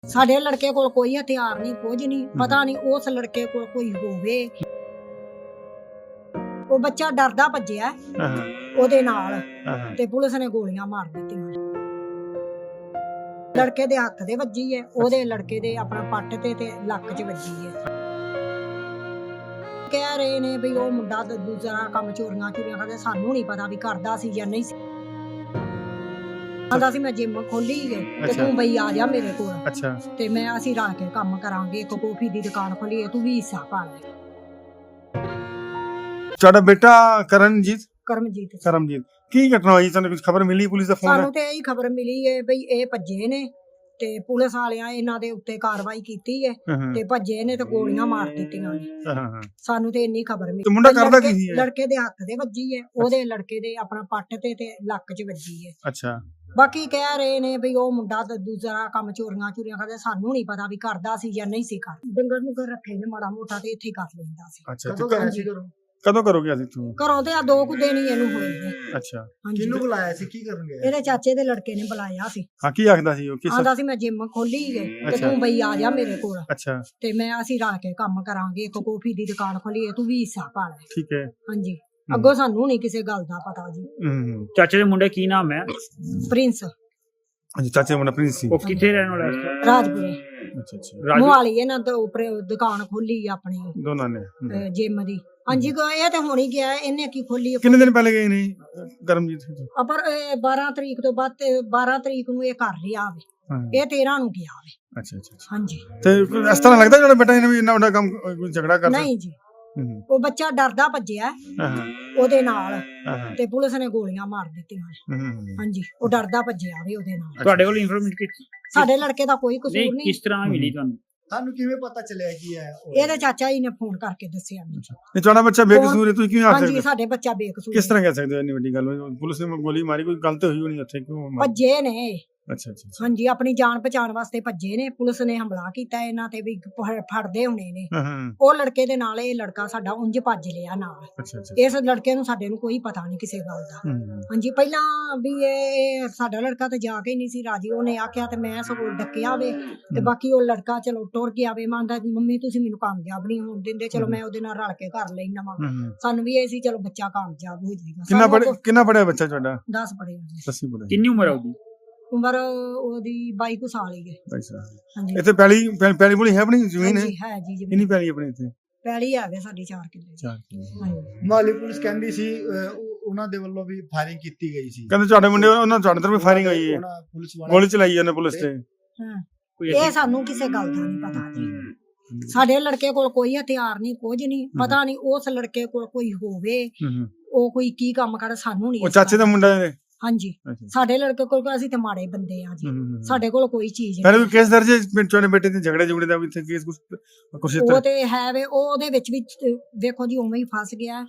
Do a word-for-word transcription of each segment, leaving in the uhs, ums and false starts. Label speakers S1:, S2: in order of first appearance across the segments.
S1: ਸਾਡੇ ਲੜਕੇ ਕੋਲ ਕੋਈ ਹਥਿਆਰ ਨਹੀਂ, ਕੁਝ ਨਹੀਂ ਪਤਾ ਨਹੀਂ ਉਸ ਲੜਕੇ ਕੋਲ ਕੋਈ ਹੋਵੇ। ਉਹ ਬੱਚਾ ਡਰਦਾ ਭੱਜਿਆ ਉਹਦੇ ਨਾਲ ਤੇ ਪੁਲਿਸ ਨੇ ਗੋਲੀਆਂ ਮਾਰ ਦਿੱਤੀਆਂ। ਲੜਕੇ ਦੇ ਹੱਥ ਦੇ ਵੱਜੀ ਹੈ, ਉਹਦੇ ਲੜਕੇ ਦੇ ਆਪਣਾ ਪੱਟ ਤੇ ਤੇ ਲੱਕ 'ਚ ਵੱਜੀ ਹੈ। ਕਹਿ ਰਹੇ ਨੇ ਵੀ ਉਹ ਮੁੰਡਾ ਦੂਜਾ ਕੰਮ ਚੋਰੀਆਂ ਚੋਰੀਆਂ ਕਰਦਾ, ਸਾਨੂੰ ਨਹੀਂ ਪਤਾ ਵੀ ਕਰਦਾ ਸੀ ਜਾਂ ਨਹੀਂ ਸੀ। ਆਂਦਾ ਸੀ ਮੈਂ ਜਿਮ ਖੋਲੀ ਹੈ ਤੇ ਤੂੰ ਬਈ ਆ ਜਾ ਮੇਰੇ ਕੋਲ। ਅੱਛਾ ਤੇ ਮੈਂ ਅਸੀਂ ਰਲ ਕੇ ਕੰਮ ਕਰਾਂਗੇ, ਇੱਕ ਕਾਫੀ ਦੀ ਦੁਕਾਨ ਖੋਲੀ ਹੈ, ਤੂੰ ਵੀ ਹਿੱਸਾ ਪਾ ਲੈ।
S2: ਤੁਹਾਡਾ ਬੇਟਾ ਕਰਨਜੀਤ
S1: ਕਰਮਜੀਤ
S2: ਕਰਮਜੀਤ ਕੀ ਘਟਨਾ ਹੋਈ? ਤੁਹਾਨੂੰ ਕੁਝ ਖਬਰ ਮਿਲੀ? ਪੁਲਿਸ ਦਾ ਫੋਨ?
S1: ਸਾਨੂੰ ਤੇ ਇਹੀ ਖਬਰ ਮਿਲੀ ਹੈ ਬਈ ਇਹ ਭੱਜੇ ਨੇ ਤੇ ਪੁਲਿਸ ਵਾਲਿਆਂ ਇਹਨਾਂ ਦੇ ਉੱਤੇ ਕਾਰਵਾਈ ਕੀਤੀ ਹੈ ਤੇ ਭੱਜੇ ਨੇ ਤੇ ਗੋਲੀਆਂ ਮਾਰ ਦਿੱਤੀਆਂ ਨੇ। ਸਾਨੂੰ ਤੇ ਇੰਨੀ ਖਬਰ ਮਿਲੀ।
S2: ਮੁੰਡਾ ਕਰਦਾ ਕੀ ਸੀ?
S1: ਲੜਕੇ ਦੇ ਹੱਥ ਦੇ ਵੱਜੀ ਹੈ, ਉਹਦੇ ਲੜਕੇ ਦੇ ਆਪਣਾ ਪੱਟ ਤੇ ਤੇ ਲੱਕ 'ਚ ਵੱਜੀ ਹੈ।
S2: ਅੱਛਾ
S1: ਬਾਕੀ ਕਹਿ ਰਹੇ ਨੇ ਵੀ ਉਹ ਮੁੰਡਾ ਦੂਜਾ ਕੰਮ ਚੋਰੀਆਂ ਚੋਰੀਆਂ ਕਰਦਾ, ਸਾਨੂੰ ਨਹੀਂ ਪਤਾ ਵੀ ਕਰਦਾ ਸੀ ਜਾਂ ਨਹੀਂ ਸੀ ਕਰਦਾ। ਡੰਗਰ ਨੂੰ ਘਰ ਰੱਖੇ ਨੇ ਮਾੜਾ ਮੋਟਾ ਤੇ ਇੱਥੇ ਕਰ ਲੈਂਦਾ ਸੀ।
S2: ਅੱਛਾ ਕਦੋਂ ਕਰੋਗੇ ਅਸੀਂ ਤੂੰ?
S1: ਘਰੋਂ ਤੇ ਆ ਦੋ ਕੁ ਦਿਨ ਹੀ ਇਹਨੂੰ ਹੋਏ ਨੇ।
S2: ਅੱਛਾ
S3: ਕਿਹਨੂੰ ਬੁਲਾਇਆ ਸੀ, ਕੀ ਕਰਨ ਗਿਆ?
S1: ਇਹਦੇ ਚਾਚੇ ਦੇ ਲੜਕੇ ਨੇ ਬੁਲਾਇਆ ਸੀ।
S2: ਹਾਂ ਕੀ ਆਖਦਾ ਸੀ ਉਹ? ਕਿਸ
S1: ਆਂਦਾ ਸੀ ਮੈਂ ਜਿਮ ਖੋਲੀ ਹੈ ਤੇ ਤੂੰ ਬਈ ਆ ਜਾ ਮੇਰੇ ਕੋਲ।
S2: ਅੱਛਾ
S1: ਤੇ ਮੈਂ ਅਸੀਂ ਰਲ ਕੇ ਕੰਮ ਕਰਾਂਗੇ, ਇੱਕ ਕਾਫੀ ਦੀ ਦੁਕਾਨ ਖੋਲੀ ਹੈ, ਤੂੰ ਵੀ ਹਿੱਸਾ ਪਾ ਲੈ।
S2: ਠੀਕ ਹੈ।
S1: ਹਾਂਜੀ ਅੱਗੋਂ ਸਾਨੂੰ ਨਹੀਂ ਕਿਸੇ ਗੱਲ ਦਾ ਪਤਾ ਜੀ।
S2: ਹੂੰ
S4: ਚਾਚੇ ਦੇ ਮੁੰਡੇ ਕੀ ਨਾਮ ਹੈ?
S1: ਪ੍ਰਿੰਸ।
S2: ਹਾਂਜੀ ਚਾਚੇ ਮੁੰਡਾ ਪ੍ਰਿੰਸ ਸੀ।
S4: ਉਹ ਕਿੱਥੇ ਰਹਿਣ ਵਾਲਾ ਹੈ?
S1: ਰਾਜਪੁਰੇ
S2: ਅੱਛਾ ਅੱਛਾ
S1: ਮੁਹਾਲੀ ਇਹਨਾਂ ਤੋਂ ਉੱਪਰ ਦੁਕਾਨ ਖੋਲੀ ਆਪਣੀ
S2: ਦੋਨਾਂ ਨੇ
S1: ਜਿਮ ਦੀ। ਹਾਂਜੀ ਇਹ ਤੇ ਹੁਣ ਹੀ ਗਿਆ, ਇਹਨੇ ਕੀ ਖੋਲੀ?
S2: ਕਿੰਨੇ ਦਿਨ ਪਹਿਲੇ ਗਏ ਨੇ ਕਰਮਜੀਤ?
S1: ਪਰ ਬਾਰਾਂ ਤਰੀਕ ਤੋਂ ਬਾਅਦ ਬਾਰਾਂ ਤਰੀਕ ਨੂੰ ਇਹ ਘਰ ਰਿਹਾ ਵੇ, ਇਹ ਤੇਰਾਂ ਨੂੰ ਗਿਆ ਵੇ।
S2: ਅੱਛਾ ਅੱਛਾ
S1: ਹਾਂਜੀ
S2: ਤੇ ਇਸ ਤਰ੍ਹਾਂ ਲੱਗਦਾ ਜਿਹੜਾ ਬੇਟਾ ਇਹਨੇ ਵੀ ਇੰਨਾ ਵੱਡਾ ਕੰਮ ਕੋਈ ਝਗੜਾ ਕਰਦਾ?
S1: ਨਹੀਂ ਜੀ, ਉਹ ਬੱਚਾ ਡਰਦਾ ਭੱਜਿਆ ਉਹਦੇ ਨਾਲ ਤੇ ਪੁਲਿਸ ਨੇ ਗੋਲੀਆਂ ਮਾਰ ਦਿੱਤੀਆਂ। ਹਾਂਜੀ ਉਹ ਡਰਦਾ ਭੱਜਿਆ ਵੀ ਉਹਦੇ ਨਾਲ।
S4: ਤੁਹਾਡੇ ਕੋਲ ਇਨਫੋਰਮੇਸ਼ਨ?
S1: ਸਾਡੇ ਲੜਕੇ ਦਾ ਕੋਈ ਕਸੂਰ ਨਹੀਂ।
S4: ਕਿਸ ਤਰ੍ਹਾਂ ਮਿਲੀ ਤੁਹਾਨੂੰ?
S3: ਤੁਹਾਨੂੰ ਕਿਵੇਂ ਪਤਾ ਚੱਲਿਆ ਕੀ ਹੈ?
S1: ਇਹਦੇ ਚਾਚਾ ਜੀ ਨੇ ਫੋਨ ਕਰਕੇ ਦੱਸਿਆ ਮੈਨੂੰ।
S2: ਇਹ ਤੁਹਾਡਾ ਬੱਚਾ ਬੇਕਸੂਰ ਹੈ, ਤੁਸੀਂ ਕਿਵੇਂ ਆਖ ਸਕਦੇ?
S1: ਹਾਂਜੀ ਸਾਡੇ ਬੱਚਾ ਬੇਕਸੂਰ।
S2: ਕਿਸ ਤਰ੍ਹਾਂ ਕਹਿ ਸਕਦੇ ਹੋ? ਇੰਨੀ ਵੱਡੀ ਗੱਲ ਪੁਲਿਸ ਨੇ ਗੋਲੀ ਮਾਰੀ, ਕੋਈ ਗਲਤ ਹੋਈ ਹੋਣੀ ਉੱਥੇ, ਕਿਉਂ
S1: ਭੱਜੇ ਨੇ?
S2: ਅੱਛਾ ਅੱਛਾ
S1: ਹਾਂਜੀ ਆਪਣੀ ਜਾਨ ਬਚਾਉਣ ਵਾਸਤੇ ਭੱਜੇ ਨੇ। ਪੁਲਿਸ ਨੇ ਹਮਲਾ ਕੀਤਾ ਇਹਨਾਂ ਤੇ ਵੀ ਫੜਦੇ ਹੋਣੇ ਨੇ। ਉਹ ਲੜਕੇ ਦੇ ਨਾਲ ਇਹ ਲੜਕਾ ਸਾਡਾ ਉਂਝ ਭੱਜ ਲਿਆ ਨਾਲ। ਇਸ ਲੜਕੇ ਨੂੰ ਸਾਡੇ ਨੂੰ ਕੋਈ ਪਤਾ ਨਹੀਂ ਕਿਸੇ ਗੱਲ ਦਾ। ਹਾਂਜੀ ਪਹਿਲਾਂ ਵੀ ਇਹ ਸਾਡਾ ਲੜਕਾ ਤੇ ਜਾ ਕੇ ਨਹੀਂ ਸੀ ਰਾਜੀ, ਉਹਨੇ ਆਖਿਆ ਤੇ ਮੈਂ ਸਗੋਂ ਡੱਕਿਆ ਵੇ ਤੇ ਬਾਕੀ ਉਹ ਲੜਕਾ ਚਲੋ ਟੁਰ ਗਿਆ ਵੇ। ਮੰਨਦਾ ਮੰਮੀ ਤੁਸੀਂ ਮੈਨੂੰ ਕਾਮਯਾਬ ਨਹੀਂ ਹੋਣ ਦਿੰਦੇ, ਚਲੋ ਮੈਂ ਉਹਦੇ ਨਾਲ ਰਲ ਕੇ ਕਰ ਲੈਣਾ ਵਾ। ਸਾਨੂੰ ਵੀ ਇਹ ਸੀ ਚਲੋ ਬੱਚਾ ਕਾਮਯਾਬ ਹੋ ਜਾਏਗਾ।
S2: ਕਿੰਨਾ ਪੜਿਆ ਕਿੰਨਾ ਪੜਿਆ ਬੱਚਾ ਤੁਹਾਡਾ?
S1: ਦਸ ਪੜਿਆ ਜੀ।
S2: ਦਸਵੀਂ ਪੜਿਆ।
S4: ਕਿੰਨੀ ਉਮਰ ਹੈ ਉਹਦੀ?
S1: ਉਮਰ ਉਹਦੀ ਬਾਈ ਕੁ ਸਾਲ ਹੀ ਹੈ। ਹਾਂਜੀ
S2: ਇੱਥੇ ਪਹਿਲੀ ਪਹਿਲੀ ਬੋਲੀ ਹੈ ਆਪਣੀ ਜ਼ਮੀਨ ਹੈ?
S1: ਹੈ ਜੀ ਜ਼ਮੀਨ।
S2: ਕਿੰਨੀ ਪਹਿਲੀ ਆਪਣੀ ਇੱਥੇ?
S1: ਪਹਿਲੀ ਆ ਗਏ ਸਾਡੀ ਚਾਰ ਕਿੱਲੇ।
S2: ਚਾਰ ਕਿੱਲੇ।
S3: ਮਾਲੀ ਪੁਲਿਸ ਕਹਿੰਦੀ ਸੀ ਉਹਨਾਂ ਦੇ ਵੱਲੋਂ ਵੀ ਫਾਇਰਿੰਗ ਕੀਤੀ ਗਈ ਸੀ।
S2: ਕਹਿੰਦੇ ਤੁਹਾਡੇ ਮੁੰਡੇ ਉਹਨਾਂ ਤੁਹਾਡੇ ਤਰਫ ਫਾਇਰਿੰਗ ਹੋਈ ਹੈ, ਗੋਲੀ ਚਲਾਈ ਉਹਨੇ ਪੁਲਿਸ ਤੇ।
S1: ਹਾਂ ਇਹ ਸਾਨੂੰ ਕਿਸੇ ਗੱਲ ਦਾ ਨਹੀਂ ਪਤਾ ਜੀ। ਸਾਡੇ ਲੜਕੇ ਕੋਲ ਕੋਈ ਹਥਿਆਰ ਨਹੀਂ, ਕੁਝ ਨਹੀਂ ਪਤਾ ਨਹੀਂ ਉਸ ਲੜਕੇ ਕੋਲ ਕੋਈ ਹੋਵੇ, ਉਹ ਕੋਈ ਕੀ ਕੰਮ ਕਰ, ਸਾਨੂੰ ਨਹੀਂ।
S2: ਉਹ ਚਾਚੇ ਦਾ ਮੁੰਡਾ ਹੈ? ਹਾਂਜੀ
S1: ਸਾਡੇ ਲੜਕੇ ਕੋਲ ਅਸੀਂ ਤੇ ਮਾੜੇ ਬੰਦੇ ਆ ਜੀ, ਸਾਡੇ ਕੋਲ ਕੋਈ ਚੀਜ਼
S2: ਨਹੀਂ। ਪਹਿਲੇ ਕੇਸ ਦਰਜ ਹੈ ਤੁਹਾਡੇ ਬੇਟੇ ਤੇ ਝਗੜੇ ਝੁਗੜੇ ਦਾ? ਇੱਥੇ ਕੇਸ ਕੁਛ
S1: ਉਹ ਤੇ ਹੈ ਵੇ, ਉਹਦੇ ਵਿੱਚ ਵੀ ਵੇਖੋ ਜੀ ਉਵੇਂ ਹੀ ਫਸ ਗਿਆ।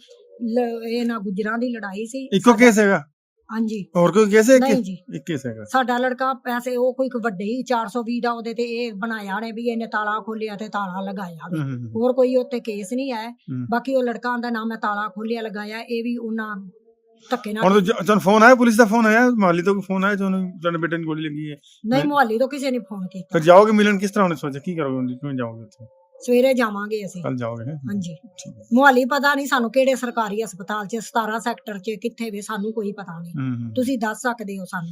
S1: ਇਹ ਨਾ ਗੁਜਰਾਂ ਦੀ ਲੜਾਈ ਸੀ।
S2: ਇੱਕੋ ਕੇਸ ਹੈਗਾ?
S1: ਹਾਂਜੀ ਹੋਰ
S2: ਕੋਈ ਕੇਸ ਹੈ?
S1: ਨਹੀਂ ਜੀ
S2: ਇੱਕ ਕੇਸ ਹੈਗਾ।
S1: ਸਾਡਾ ਲੜਕਾ ਪੈਸੇ ਉਹ ਕੋਈ ਵੱਡੇ ਹੀ ਚਾਰ ਸੌ ਵੀਹ ਦਾ ਉਹਦੇ ਤੇ ਇਹ ਬਣਾਇਆ ਨੇ ਵੀ ਇਹਨੇ ਤਾਲਾ ਖੋਲਿਆ ਤੇ ਤਾਲਾ ਲਗਾਇਆ ਵੇ। ਹੋਰ ਕੋਈ ਉੱਤੇ ਕੇਸ ਨਹੀਂ ਹੈ। ਬਾਕੀ ਉਹ ਲੜਕਾ ਦਾ ਨਾਮ ਹੈ ਤਾਲਾ ਖੋਲਿਆ ਲਗਾਇਆ, ਇਹ ਵੀ ਉਹਨਾਂ ਧੱਕੇ ਨਾਲ। ਹੁਣ
S2: ਤੁਹਾਨੂੰ ਫੋਨ ਆਇਆ? ਪੁਲਿਸ ਦਾ ਫੋਨ ਆਇਆ? ਮੁਹਾਲੀ ਤੋਂ ਫੋਨ ਆਇਆ ਤੁਹਾਨੂੰ ਤੁਹਾਡੇ ਬੇਟੇ ਨੂੰ ਗੋਲੀ ਲੱਗੀ ਹੈ?
S1: ਨਹੀਂ ਮੁਹਾਲੀ ਤੋਂ ਕਿਸੇ ਨੇ ਫੋਨ ਕੀਤਾ।
S2: ਫਿਰ ਜਾਓਗੇ ਮਿਲਣ? ਕਿਸ ਤਰ੍ਹਾਂ ਉਹਨੇ ਸੋਚਿਆ, ਕੀ ਕਰੋਗੇ, ਕਿਵੇਂ ਜਾਓਗੇ ਉੱਥੇ?
S1: ਸਵੇਰੇ ਜਾਵਾਂਗੇ ਅਸੀਂ।
S2: ਕੱਲ ਜਾਓਗੇ?
S1: ਹਾਂਜੀ ਮੁਹਾਲੀ ਪਤਾ ਨਹੀਂ ਸਾਨੂੰ ਕਿਹੜੇ ਸਰਕਾਰੀ ਹਸਪਤਾਲ ਚ, ਸਤਾਰਾਂ ਸੈਕਟਰ ਚ ਕਿੱਥੇ ਵੇ, ਸਾਨੂੰ ਕੋਈ ਪਤਾ ਨਹੀਂ। ਤੁਸੀਂ ਦੱਸ ਸਕਦੇ ਹੋ ਸਾਨੂੰ?